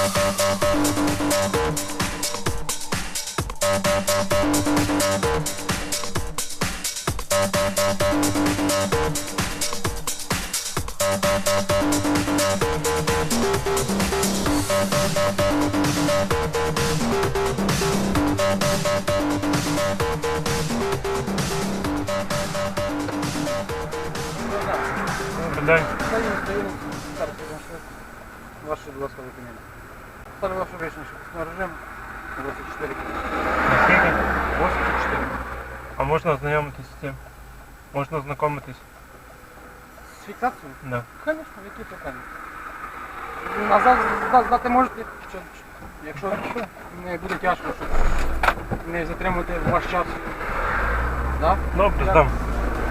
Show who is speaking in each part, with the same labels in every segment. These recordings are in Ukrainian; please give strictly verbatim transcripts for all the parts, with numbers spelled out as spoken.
Speaker 1: День.
Speaker 2: Ваше, будь ласка, виконання. Ставлю вашу речність на режим двадцять чотири.
Speaker 1: Наскільки?
Speaker 2: двадцять чотири.
Speaker 1: А можна ознайомитись з цим? Можна ознакомитись?
Speaker 2: З фіксацією?
Speaker 1: Да.
Speaker 2: Звісно, які питання. Назад зда- здати можете, що- якщо не буде тяжко, щоб не затримувати ваш час. Да?
Speaker 1: Добре,
Speaker 2: Я-
Speaker 1: здам.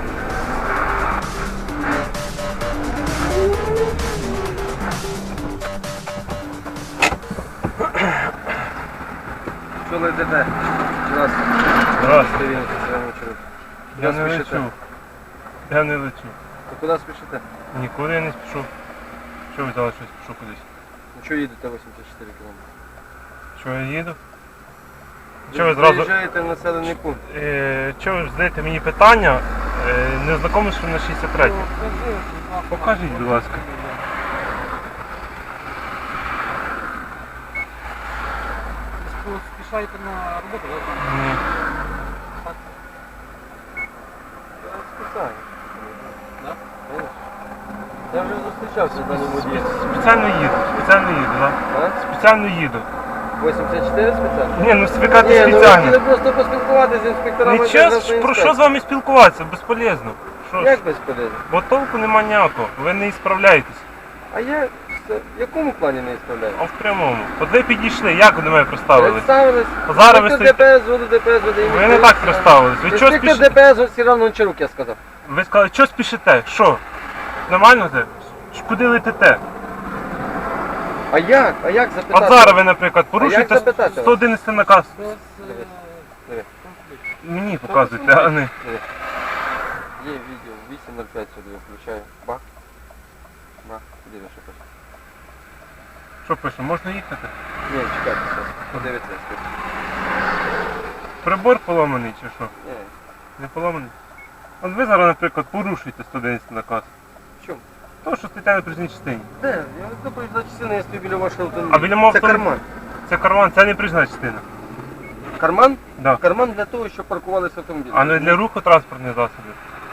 Speaker 2: Що ви йдете?
Speaker 1: Здравствуйте. Я не
Speaker 2: спішите?
Speaker 1: лечу. Я не лечу.
Speaker 2: То куди спішите?
Speaker 1: Нікуди я не спішу. Що ви взяли, що я спішу кудись?
Speaker 2: Ну що їдете вісімдесят чотири кілометри?
Speaker 1: Що я їду?
Speaker 2: Ви
Speaker 1: Що ви зразу...
Speaker 2: заїжджаєте в населений пункт.
Speaker 1: Е, Що ви задаєте мені питання? Е, Не знайомий, що на шістдесят три. Покажіть, будь ласка.
Speaker 2: Ви спішаєте на роботу, так?
Speaker 1: Ні.
Speaker 2: Спеціально. Да? Я вже зустрічався з даним водієм.
Speaker 1: Спеціально їду, спеціально їду, так?
Speaker 2: А?
Speaker 1: Спеціально їду.
Speaker 2: вісімдесят чотири спеціально?
Speaker 1: Ні, ну ви кажете
Speaker 2: Ні, ну ви
Speaker 1: спеціально.
Speaker 2: хотіли просто поспілкуватися з інспекторами.
Speaker 1: Нічого,
Speaker 2: державної
Speaker 1: про що
Speaker 2: інспекції.
Speaker 1: з вами спілкуватися? Безполезно. Що ж?
Speaker 2: Як безполезно?
Speaker 1: Бо толку нема ніякого, ви не справляєтесь.
Speaker 2: А я це- в якому плані не справляю?
Speaker 1: А в прямому. От ви підійшли, як ви до мене представились?
Speaker 2: Представились.
Speaker 1: А зараз ви
Speaker 2: Інспектор
Speaker 1: стоїте-
Speaker 2: ДПС, воду ДПС, воду
Speaker 1: Ви не так представились. Ви чого
Speaker 2: Інспектор
Speaker 1: спішите?
Speaker 2: ДПС, от Сіран Гончарук, я сказав.
Speaker 1: Ви сказали, що спішите? Що? Нормально це? Ж Куди летите?
Speaker 2: А як? А як запитати?
Speaker 1: От зараз ви, наприклад, порушуєте
Speaker 2: як запитати вас?
Speaker 1: сто одинадцятий наказ.
Speaker 2: Диви.
Speaker 1: Мені показуєте, а не.
Speaker 2: Диви. Є відео, вісім нуль п'ять сюди включаю. Бах. Бах. Диви, що пише.
Speaker 1: Що пише, можна їхати?
Speaker 2: Ні, чекайте, зараз. Подивіться, я скажу.
Speaker 1: Прибор поломаний чи що?
Speaker 2: Ні.
Speaker 1: Не поломаний? От ви зараз, наприклад, порушуєте сто одинадцятий наказ.
Speaker 2: В чому?
Speaker 1: То, що стоїте на проїзній частині.
Speaker 2: Де? Я до проїзна частина, я стою біля вашого автомобіля.
Speaker 1: А біля мого
Speaker 2: Це
Speaker 1: автомобіля?
Speaker 2: карман.
Speaker 1: Це карман, це не проїзна частина.
Speaker 2: Карман?
Speaker 1: Да.
Speaker 2: Карман для того, щоб паркувалися автомобілі.
Speaker 1: А не для руху транспортних засобів.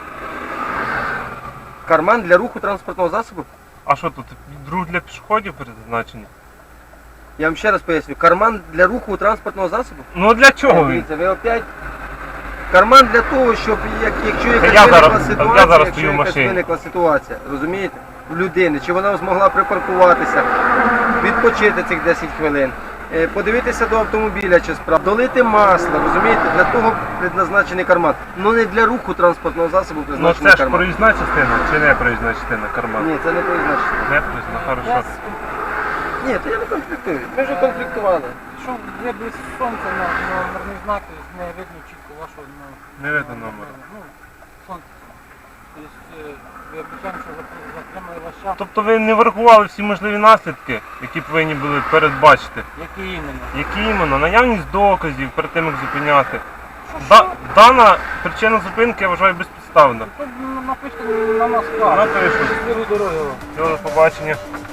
Speaker 2: Карман для руху транспортного засобу?
Speaker 1: А що тут? Друг для пішоходів призначений?
Speaker 2: Я вам ще раз поясню. Карман для руху транспортного засобу?
Speaker 1: Ну для чого він?
Speaker 2: Дивіться, ви опять... Карман для того, щоб як, якщо якась
Speaker 1: я
Speaker 2: виникла
Speaker 1: зараз-
Speaker 2: ситуація,
Speaker 1: я зараз
Speaker 2: якщо
Speaker 1: стою в
Speaker 2: якась
Speaker 1: машині.
Speaker 2: виникла ситуація, розумієте, у людини, чи вона змогла припаркуватися, відпочити цих десять хвилин, е, подивитися до автомобіля чи справ, долити масло, розумієте, для того предназначений карман. Ну не для руху транспортного засобу
Speaker 1: Ну
Speaker 2: призначений
Speaker 1: це ж
Speaker 2: карман.
Speaker 1: проїзна частина чи не проїзна частина карман?
Speaker 2: Ні, це не призначено.
Speaker 1: Не проїзна, хорошо.
Speaker 2: Ні, то я не конфліктую. Ми вже конфліктували.
Speaker 3: Що ви без сонця на номерний знак, не видно чітко вашого ну,
Speaker 1: Не видно номера.
Speaker 3: Ну, сонце. Тобто е, ви обіцяємо, що зап- затримали ваш час.
Speaker 1: Тобто ви не врахували всі можливі наслідки, які повинні були передбачити.
Speaker 3: Які іменно?
Speaker 1: Які іменно? Наявність доказів перед тим, як зупиняти.
Speaker 3: Що,
Speaker 1: Да,
Speaker 3: що?
Speaker 1: дана причина зупинки я вважаю безпідставна.
Speaker 3: То напишіть на нас
Speaker 1: Вона
Speaker 3: справу.
Speaker 1: пише.
Speaker 3: Щасливої дороги вам.
Speaker 1: Всього, до побачення.